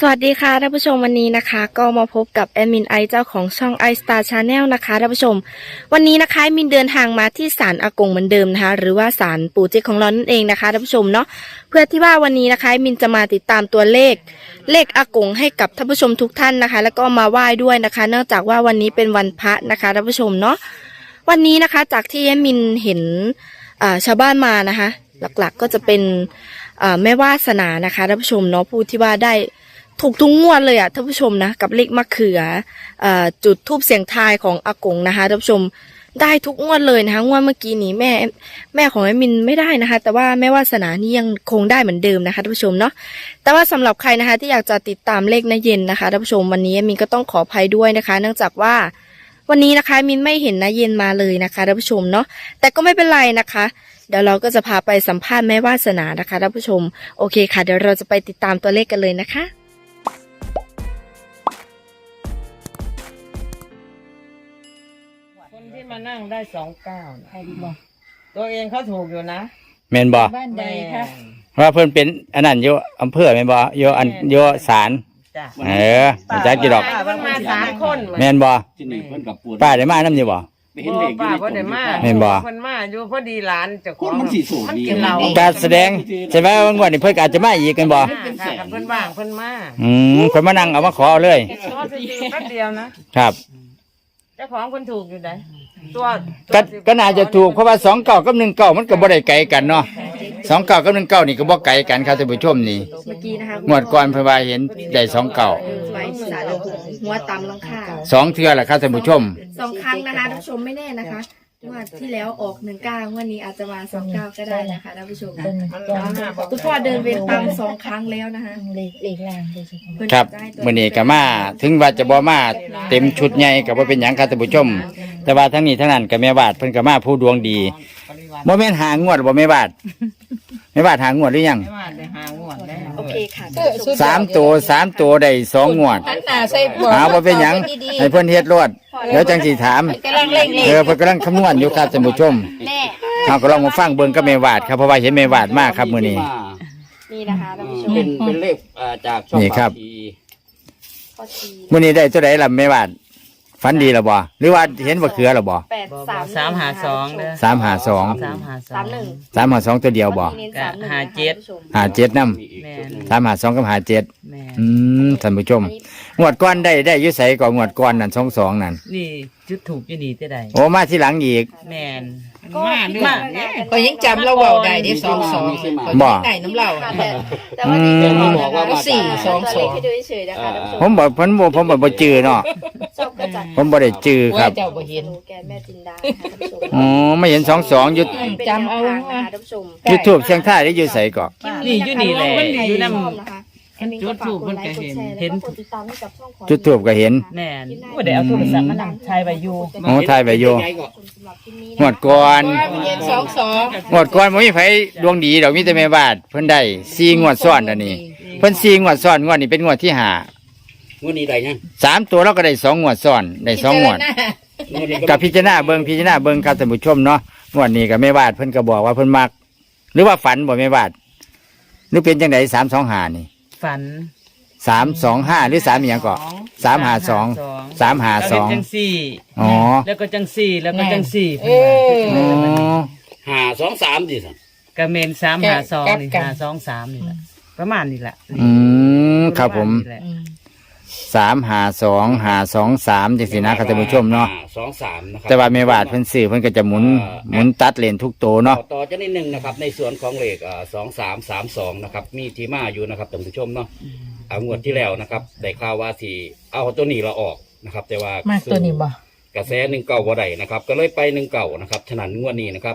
สวัสดีค่ะท่านผู้ชมวันนี้นะคะก็มาพบกับแอดมินไอเจ้าของช่อง i Star Channel นะคะท่านผู้ชมวันนี้นะคะมินเดินทางมาที่ศาลอากงเหมือนเดิมนะคะหรือว่าศาลปู่เจ๊กของเรานั่นเองนะคะท่านผู้ชมเนาะเพื่อที่ว่าวันนี้นะคะมินจะมาติดตามตัวเลขอากงให้กับท่านผู้ชมทุกท่านนะคะแล้วก็มาไหว้ด้วยนะคะเนื่องจากว่าวันนี้เป็นวันพระนะคะท่านผู้ชมเนาะวันนี้นะคะจากที่แอดมินเห็นชาวบ้านมานะคะหลักๆก็จะเป็นแม่วาสนานะคะท่านผู้ชมเนาะผู้ที่ว่าได้ถูกทุกงวดเลยอ่ะท่านผู้ชมนะกับเลขมะเขือจุดทูบเสียงทายของอากงนะคะท่านผู้ชมได้ทุกงวดเลยนะคะงวดเมื่อกี้นี้แม่ของแอดมินไม่ได้นะคะแต่ว่าแม่วาสนานี่ยังคงได้เหมือนเดิมนะคะท่านผู้ชมเนาะแต่ว่าสำหรับใครนะคะที่อยากจะติดตามเลขณเย็นนะคะท่านผู้ชมวันนี้แอดมินก็ต้องขออภัยด้วยนะคะเนื่องจากว่าวันนี้นะคะมินไม่เห็นณเย็นมาเลยนะคะท่านผู้ชมเนาะแต่ก็ไม่เป็นไรนะคะเดี๋ยวเราก็จะพาไปสัมภาษณ์แม่วาสนานะคะท่านผู้ชมโอเคค่ะเดี๋ยวเราจะไปติดตามตัวเลขกันเลยนะคะคนที่มานั่งได้29ใครดีบอกตัวเองเขาถูกอยู่นะแม่นบ่บ้านใดคะว่าเพิ่นเป็นอันนั้นอยู่อำเภอแม่นบ่อยู่ศาลจ้ะมันจักกี่ดอกป้ามันมา3คนแม่นบ่ที่นี่เพิ่นกับปวดป้าได้มานำอยู่บ่ไปเห็นเด็กป้าบ่ได้มาแม่นบ่เพิ่นมาอยู่พอดีหลานเจ้าขคอน งมันสิสูงดีกินเหล้าการแสดงใช่ไหมว่างวดนี้เพิ่นก็อาจจะมาอีกกันบ่ค่ะกับเพิ่นว่างเพิ่นมาเพิ่นมานั่งเอามาขอเอาเลยขอซื้อแป๊บเดียวนะครับ เจ้าของเพิ่นถูกอยู่ไหนตัวก็น่าจะถูกเพราะว่า29กับ19มันก็บ่ได้ไกลกันเนาะ29กับ19นี่ก็บ่ไกลกันครับท่านผู้ชมนี่เมื่อกี้นะคะงวดก่อนเพิ่นว่าเห็นได้29 ไว้สารหัวตำลังค่า 2เทื่อล่ะครับท่านผู้ชม 2 ครั้งนะคะท่านผู้ชมไม่แน่นะคะงวดที่แล้วออก19งวดนี้อาจจะมา29ก็ได้นะคะท่านผู้ชมคุณพ่อเดินเวรตาม2 ครั้งแล้วนะคะเลขล่างเลยสิครับมื้อนี้ก็มาถึงว่าจะบ่มาเต็มชุดใหญ่ก็บ่เป็นหยังครับท่านผู้ชม แต่ว่าทั้งนี้ทั้งนั้นก็แม่บาดเพิ่นก็มาผู้ดวงดีบ่แม่นหางวดบ่แม่บาดแม่บาดหางวดหรือยังไม่ว่าได้หางวดแล้วโอเคค่ะ 3ตัวได้2งวดหันหน้าใส่บวกหาบ่เป็นหยังให้เพิ่นเฮ็ดรวดเดี๋ยวจังสิถามกำลังเล่งเลขเพิ่นกำลังคำนวณอยู่ครับท่านผู้ชมแม่เฮาก็ลองมาฟังเบิ่งกับแม่บาดครับเพราะว่าเห็นแม่บาดมากครับมื้อนี้นี่นะคะท่านผู้ชมเป็นเลขจากช่องนี่ครับปากทีข้อทีมื้อนี้ได้ตัวใดล่ะแม่บาดฝันดีล่ะบ่หรือว่าเห็นบ่เขือล่ะบ่ 352เด้อ 352 352 352ตัวเดียวบ่ 57นำแม่น 352กับ57 แม่นท่านผู้ชมงวดก้อนได้อยุใสก่อนงวดก้อนนั่น22นั่นนี่จุดถูกอยู่นี่แต่ใดโอ้มาที่หลังอีกแม่นมาเรื่องก็ยังจำเราเบาได้ที่22 บ่ได้น้ำเหล้าแต่ว่านี่คือบอกว่า 422 ให้ดูเฉยๆนะคะท่านผู้ชมผมบอกผมบ่จื้อเนาะชอบกระจัดผมบ่ได้จื้อครับเจ้าบ่เห็นโลแกนแม่จินดาค่ะท่านผู้ชมอ๋อไม่เห็น22อยู่จำเอาเป็นแนวทงนะคะท่านผู้ชมจุดทูบเสียงท้ายได้อยู่ไสก็นี่อยู่นี่แหละอยู่นำจุดถูกมันก็เห็นติดตามให้กับช่องของจุดทูบก็เห็นแม่นบ่ได้เอาโทรศัพท์มานั่งถ่ายไว้อยู่โอ้ถ่ายไว้อยู่สำหรับคลิปนี้งวดก่อนเห็น22 งวดก่อนบ่มีไผดวงดีดอกมีแต่แม่บาดเพิ่นได้4งวดซ้อนอันนี้เพิ่น4งวดซ้อนงวดนี้เป็นงวดที่5 งวดนี้ได้ยัง 3ตัวเราก็ได้2งวดซ้อนได้2งวดงวดนี้กับพิจารณาเบิ่งครับท่านผู้ชมเนาะงวดนี้ก็แม่บาดเพิ่นก็บอกว่าเพิ่นมัก หรือว่าฝันบ่แม่บาดหรือเป็นจังได325นี่ฝัน 325หรือ3อีหยังก็352 แล้วจังสี่อ๋อแล้วก็จังสี่แล้วก็จังสี่เอออ๋อ 523ดิสั่นกระเมน352นี่523นี่แหละประมาณนี้แหละครับผมประาณนี้แหละ 352 523จังซี่นะครับท่านผู้ชมเนาะ 523นะครับแต่ว่าแม่บาดเพิ่นซื้อเพิ่นก็จะหมุนตัดเลนทุกตัวเนาะต่อจะนิดนึงนะครับในส่วนของเลข2332นะครับมีที่มาอยู่นะครับท่านผู้ชมเนาะงวดที่แล้วนะครับได้ข่าวว่าสิเอาตัวนี้เราออกนะครับแต่ว่ามาตัวนี้บ่กระแส19บ่ได้นะครับก็เลยไป19นะครับฉะนั้นงวดนี้นะครับ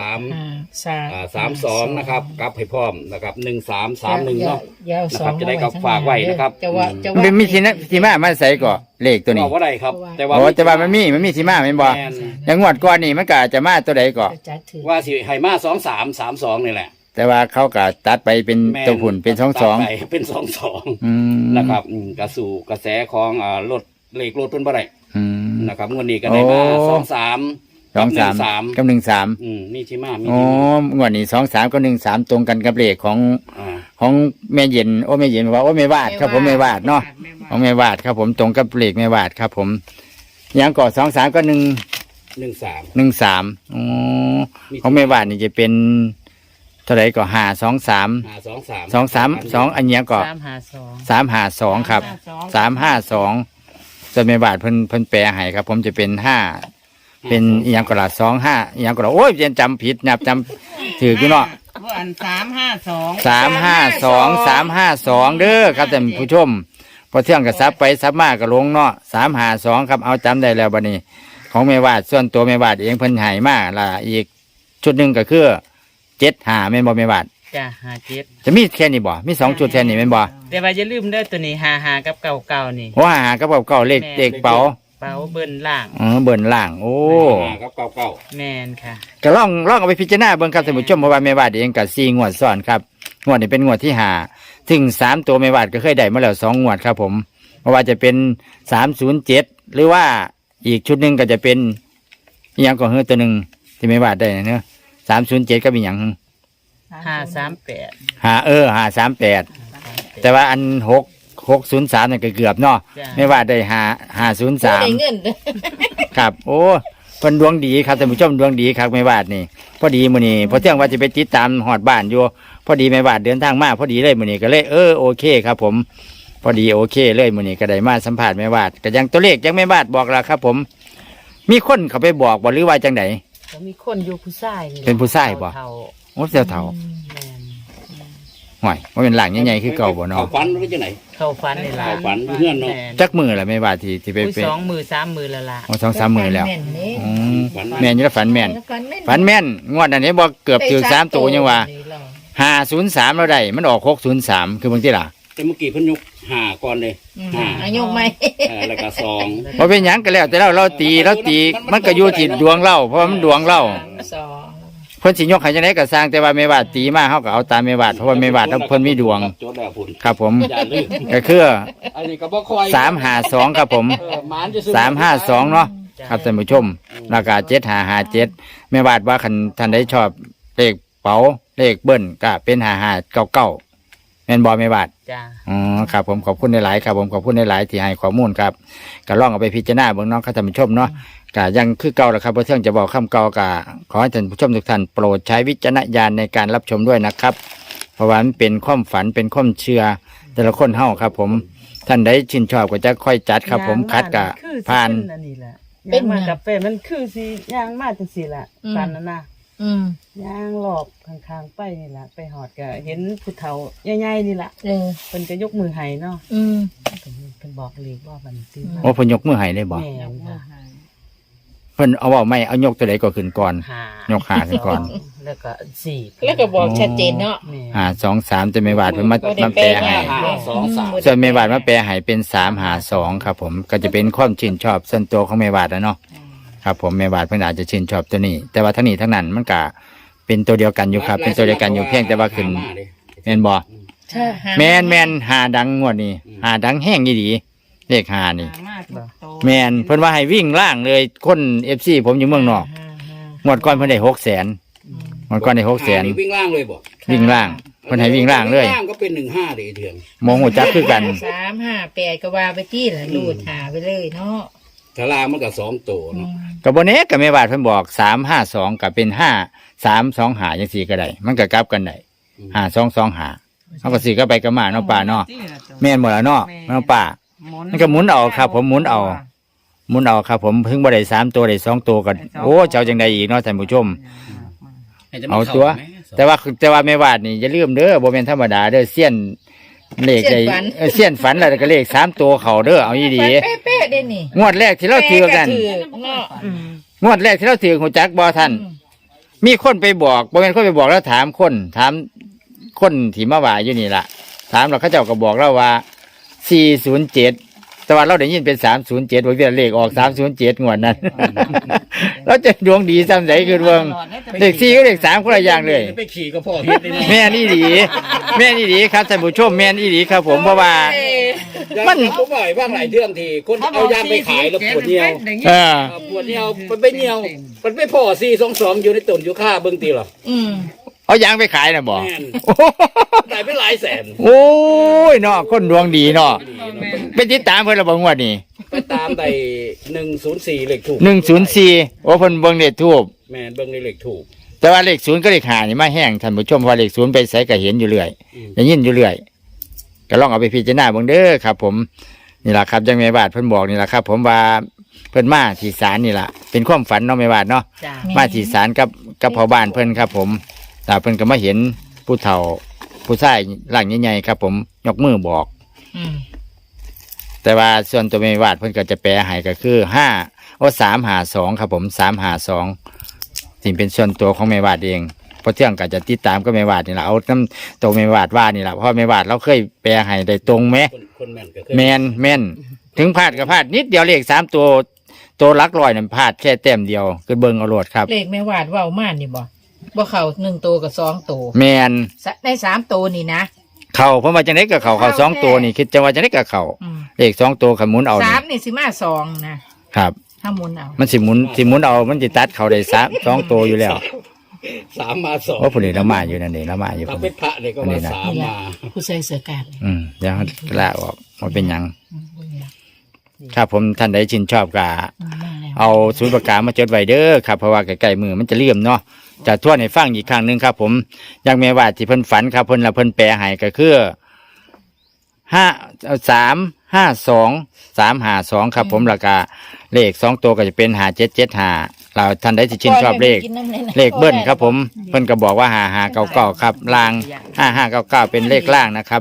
32 นะครับกลับให้พร้อมนะครับ1331เนาะ นะครับจะได้กับฝากไว้นะครับมันเป็นมีที่มาใส่ก็เลขตัวนี้บอกว่าได้ครับ แต่ว่าโอ้แต่ว่ามันมีที่มาแม่นบ่แม่นอย่างงวดก่อนนี่มันก็อาจจะมาตัวใดก็ว่าสิให้มา2332นี่แหละแต่ว่าเขาก็ตัดไปเป็นแม่นตัวหุ่นเป็นตัดไป 22 เป็นนะครับกระสู่กระแสของรถเลขรถเพิ่นบ่ได้อืมนะครับงวดนี้ก็ได้มาโอ้ 23 23กับ13 นี่ที่มามีอ๋องวดนี้23กับ13ตรงกันกับเลขของอ่าของแม่เย็นโอ้แม่เย็นว่าโอ้แม่วาดครับผมแม่วาดเนาะของแม่วาดครับผมตรงกับเลขแม่วาดครับผมยังก่อ2 3ก็ 13 1 3อ๋อของแม่วาดนี่จะเป็นเท่าไหร่ก็5 2 3 523 2 3 2อันนี้ก็ 3 5 2 3 5 2ครับ352ส่วนแม่บาทเพิ่นแปลให้ครับ ผมจะเป็น5เป็นอีหยังก็ละ25อีหยังก็ละโอ้ยเรียนจำผิดนับจำถืออยู่เนาะอัน3 5 2 352เด้อครับท่านผู้ชมพอเที่ยงก็ซับไปซับมาก็ลงเนาะ352ครับเอาจำได้แล้วบัดนี้ ของแม่วาดส่วนตัวแม่วาดเองเพิ่นให้มาละอีกชุดหนึงก็คือ75แม่นบ่แม่วาดจ้ะ57 จะมีแค่นี้บ่มี2ชุดแค่นี้แม่นบ่แต่ว่าอย่าลืมเด้อตัวนี้55กับเก่าๆนี่หัวหากับเก่าเลขเด็กเป๋าเป๋าเบิ้นล่างเบิ่นล่างโอ้ครับเก่าแม่นค่ะก็ลองเอาไปพิจารณาเบิ่งครับท่านผู้ชมเพราะว่าแม่วาดเองก็4งวดซ้อนครับงวดนี้เป็นงวดที่5ถึง3ตัวแม่วาดก็เคยได้มาแล้ว2งวดครับผมเพราะว่าจะเป็น307หรือว่าอีกชุดหนึงก็จะเป็นอีหยังก็คือตัวหนึงที่แม่วาดได้เนาะ307ก็มีหยัง 538 538แต่ว่าอัน603นี่นก็เกือบเนาะจ้ะแม่วาดได้ได้ 503 เงินครับโอ้เพิ่นดวงดีครับท่านผู้ชมดวงดีครับแม่วาดนี่พอดีมื้อนี้พอเที่ยงว่าจะไปติดตามฮอดบ้านอยู่พอดีแม่วาดเดินทางมาพอดีเลยมื้อนี้ก็เลยโอเคครับผมพอดีโอเคเลยมื้อนี้ก็ได้มาสัมภาษณ์แม่วาดก็ยังตัวเลขยังแม่วาดบอกแล้วครับผมมีคนเขาไปบอกบ่หรือว่าจังไดก็มีคนอยู่ผู้ชายนี่เป็นผู้ชายบ่เฒ่าโอ้เสี่ยวเฒ่าแม่นห่วยว่าเป็นหลังใหญ่ๆคือเก่าบ่เขาเนาะฝันหรือจังไหนเข้าฝันนี่ล่ะเข้าฝันเพื่อนเนาะแม่จักมือล่ะแม่วาดที่ไปอุ้ย2 มือ 3 มือแล้วล่ะโอ้2-3มื้อแล้วม่นนี่อืมแม่นอยู่แล้วฝันแม่นฝันแม่นฝันแม่นงวดอันนี้บ่เกือบถึง3ตัวยังว่า503แล้วได้มันออก603คือบางทีล่ะแต่เมื่อกี้เพิ่นยก5ก่อนเลย5 อายุไหมแล้วก็2 พอเป็นหยังก็แล้วแต่เราตีมันก็อยู่ที่ดวงเราเพราะว่ามันดวงเรา 2 เพิ่นสิยกให้จังได๋ก็สร้างแต่ว่าแม่วาดตีมาเฮาก็เอาตามแม่วาดเพราะว่าแม่วาดเพิ่นมีดวงโจทย์แล้วพุ่นครับผมอย่าลืมก็คืออันนี้ก็บ่ค่อย 352ครับผมหมานจะซื้อ 352เนาะครับท่านผู้ชมราคา7557แม่วาดว่าคันท่านใดชอบเลขเป๋าเลขเบิ้ลก็เป็น5599แม่นบ่แม่วาดจ้าอ๋อครับผมขอบคุณหลายๆครับผมขอบคุณหลายๆที่ให้ข้อมูลครับก็ลองเอาไปพิจารณาเบิ่งเน้องท่านผู้ชมเนาะก็ยังคือเก่าแหละครับเพราะเที่ยงจะบอกคำเก่าก็ขอให้ท่านผู้ชมทุกท่านโปรดใช้วิจารณญาณในการรับชมด้วยนะครับ เพราะว่ามันเป็นความฝันเป็นความเชื่อแต่ละคนเฮาครับ ผมท่านใดชื่นชอบก็จะค่อยจัดครับ ผมคัดกะผ่านอันนี้แหละเป็นมากาแฟมันคือสิย่างมาจังซี่ล่ะฝันนั่นน่ะอืมย่างหลอบข้างๆไปนี่ล่ะไปหอดก็เห็นผู้เฒ่าใหญ่ๆนี่ล่ะเออเพิ่นก็ยกมือให้เนาะอืมเพิ่นบอกเลขว่ามันซื้อมาโอ้เพิ่นยกมือให้เลยบ่แม่นค่ะเพิ่นเอาเว้าไม่เอายกตัวใดก็ขึ้นก่อน 5 ยกขาขึ้นก่อนแล้วก็4 แล้วก็บอกชัดเจนเนาะแม่ 523จะไม่วาดเพิ่นมาก็ได้มาแปลให้ 5 2 3 ส่วนเมวาดมาแปลให้เป็น352ครับผมก็จะเป็นความชื่นชอบส่วนตัวของเมวาดนะเนาะครับผมเมวาดเพิ่นอาจจะชื่นชอบตัวนี้ แต่ว่าทั้งนี้ทั้งนั้นมันก็เป็นตัวเดียวกันอยู่ครับ เป็นตัวเดียวกันอยู่เพียงแต่ว่าขึ้นแม่นบ่ใช่แม่นหาดังงวดนี้หาดังแห้งอีหลีเลข5นี่แม่นเพิ่นว่าให้วิ่งล่างเลยคน FC ผมอยู่เมืองนอกงวดก่อนเพิ่นได้600,000งวดก่อนได้600,000 นี่วิ่งล่างเลยบ่วิ่งล่างเพิ่นให้วิ่งล่างเลยล่างก็เป็น15เลยเดือนมองหัวจักคือกัน 358ก็ว่าไปที่ละรูดหาไปเลยเนาะถ้าล่างมันก็2ตัวเนาะกับบนนี้กับแม่บาทเพิ่นบอก352กับเป็น5325จังซี่ก็ได้มันก็กลับกันได้5225เขาก็สิก็ไปกับมาเนาะป่าเนาะแม่นหมดแล้วเนาะเนาะป่ามันก็หมุนเอาครับ ผมหมุนเอาครับ ผมเพิ่งบ่ได้3ตัวได้2ตัวก็โอ้เจ้าจังไดอีกเนาะท่านผู้ชม เอาตัว แต่ว่าแม่วาดนี่อย่าลืมเด้อบ่แม่นธรรมดาเด้อเสี้ยนเลขได้เสี้ยนฝันแล้วก็เลข3ตัวเข้าเด้อเอาอีหลีเป๊ะๆเด้นี่งวดแรกที่เราถือกันเนาะงวดแรกที่เราถือหัวจักบ่ท่านมีคนไปบอกบ่แม่นคนไปบอกแล้วถามคนที่มาว่าอยู่นี่ล่ะถามแล้วเขาเจ้าก็บอกเราว่า407แต่ว่าเราได้ยินเป็น307ว่าเลขออก307งวดนั้น เราจะดวงดีซ้ำใดคือเบิ่งเลข4กับเลข3คนละอย่างเลยไปขี่ก็พ่อเฮ็ดเลยแม่นอีหลีครับท่านผู้ชมแม่นอีหลีครับ ผมเพราะว่ามันก็บ่อยบ้างหลายเรื่องที่คนเอายางไปขายแล้วปวดเหี่ยวเออปวดเหี่ยวมันไปเหี่ยวมันไปพ่อ422อยู่ในต้นอยู่ค่าเบิ่งติหรออืมเอายางไปขายนะบ่แม่นได้เป็นหลายแสนโอ้ยเนาะคนดวงดีเนาะเป็นติดตามเพิ่นละบ่งวดนี้ไปตามได้104เลขถูก 104โอ้เพิ่นเบิ่งเลขทูบแม่นเบิ่งในเลขถูกแต่ว่าเลข0ก็เลข5นี่มาแห้งท่านผู้ชมเพราะเลข0ไปไสก็เห็นอยู่เรื่อยได้ยินอยู่เรื่อยก็ลองเอาไปพิจารณาเบิ่งเด้อครับ ผมนี่ล่ะครับจังแม่บาดเพิ่นบอกนี่ล่ะครับ ผมว่าเพิ่นมาที่ศาลนี่ล่ะเป็นความฝันเนาะแม่บาดเนาะจ้ามาที่ศาลกับพ่อบ้านเพิ่นครับ ผมแต่เพิ่นก็มาเห็นผู้เฒ่าผู้ชายร่างใหญ่ๆครับ ผมยกมือบอกอืมแต่ว่าส่วนตัวแม่วาดเพิ่นก็จะแปลให้ก็คือ352ครับผม352สิ่งเป็นส่วนตัวของแม่วาดเองเพราะเที่ยงก็จะติดตามก็แม่วาดนี่แหละเอาน้ำตัวแม่วาดว่านี่แหละเพราะแม่วาดเราเคยแปลให้ได้ตรงไหมคนแม่นก็เคยแม่นถึงพลาดก็พลาดนิดเดียวเลข3ตัวหลักร้อยนั่นพลาดแค่แต้มเดียวคือเบิ่งเอาโลดครับเลขแม่วาดเว้ามานี่บ่เข้า1ตัวกับ2ตัวแม่นใน3ตัวนี่นะเข้าเพราะว่าจังได๋ก็เข้า2ตัวนี่คิดจังว่าจังได๋ก็เข้าอืมเลข2ตัวขมุนเอานี่ 3นี่สิมา2นะครับ ถ้าหมุนเอามันสิหมุนเอามันสิตัดเข้าได้2ตัวอยู่แล้ว 3มา2 โอ้ผู้นี้ละมาอยู่นั่นเองละมาอยู่ถ้าคนเป็นพระเนี่ยก็ว่า3มาผู้ใส่เสื้อกาดเดี๋ยวลาออกมาเป็นหยังบ่เนี่ยครับผมท่านใดชื่นชอบก็มาแล้วเอาศูนย์ประกามาจดไว้เด้อครับเพราะว่าใกล้ๆมือมันจะเลื่อมเนาะจะทวนให้ฟังอีกครั้งหนึ่งครับ ผมอยังแม่ว่าที่เพิ่นฝันครับเพิ่นละเพิ่นแปลให้ก็คือ352ครับ ผมแล้วก็เลข2ตัวก็จะเป็น5775เราท่านใดที่ชื่นชอบเลขเบิ้ลครับ ผมเพิ่นก็บอกว่า5599ครับล่าง5599เป็นเลขล่างนะครับ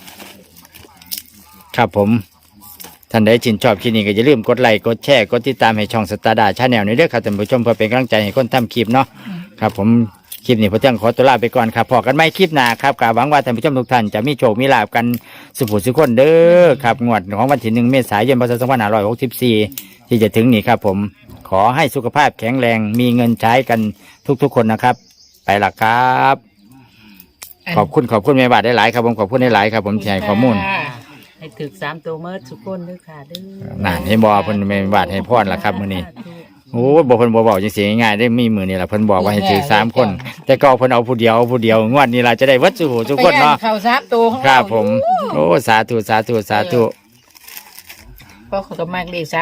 ครับผมท่านใดชื่นชอบคลิปนี้ก็อย่าลืมกดไลค์กดแชร์กดติดตามให้ช่องสตาร์ดาชาแนลนี้ด้วยครับท่านผู้ชมเพื่อเป็นกำลังใจให้คนทำคลิปเนาะครับผมคลิปนี้พอเที่ยงขอตัวลาไปก่อนครับพอกันไม่คลิปหน้าครับกหวังว่าท่านผู้ชมทุกท่านจะมีโชคมีลาภกันสุขสุขคนเด้อครับงวดของวันที่1 เมษายน พ.ศ. 2564ที่จะถึงนี้ครับ ผมขอให้สุขภาพแข็งแรงมีเงินใช้กันทุกๆคนนะครับ ไปละครับ ขอบคุณแม่บาทได้หลายครับผมขอบคุณได้หลายครับผมที่ให้ข้อมูลให้ถึก3ตัวเมื่อทุกคนด้วยค่ะเด้อน่าให้บอกเพิ่นแม่บาทให้พรล่ะครับมื้อนี้โอ้บ่เพิ่นบ่บอกจังซี่ง่ายๆได้มีมื้อนี้ล่ะเพิ่นบอกว่าให้ถือ3คน แต่ก็เพิ่นเอาผู้เดียวงวดนี้ล่ะจะได้วัดสุทุกคนเนาะเข้า3ตัวของครัเราบผมโอ้สาธุเพราะเขาก็มากเลข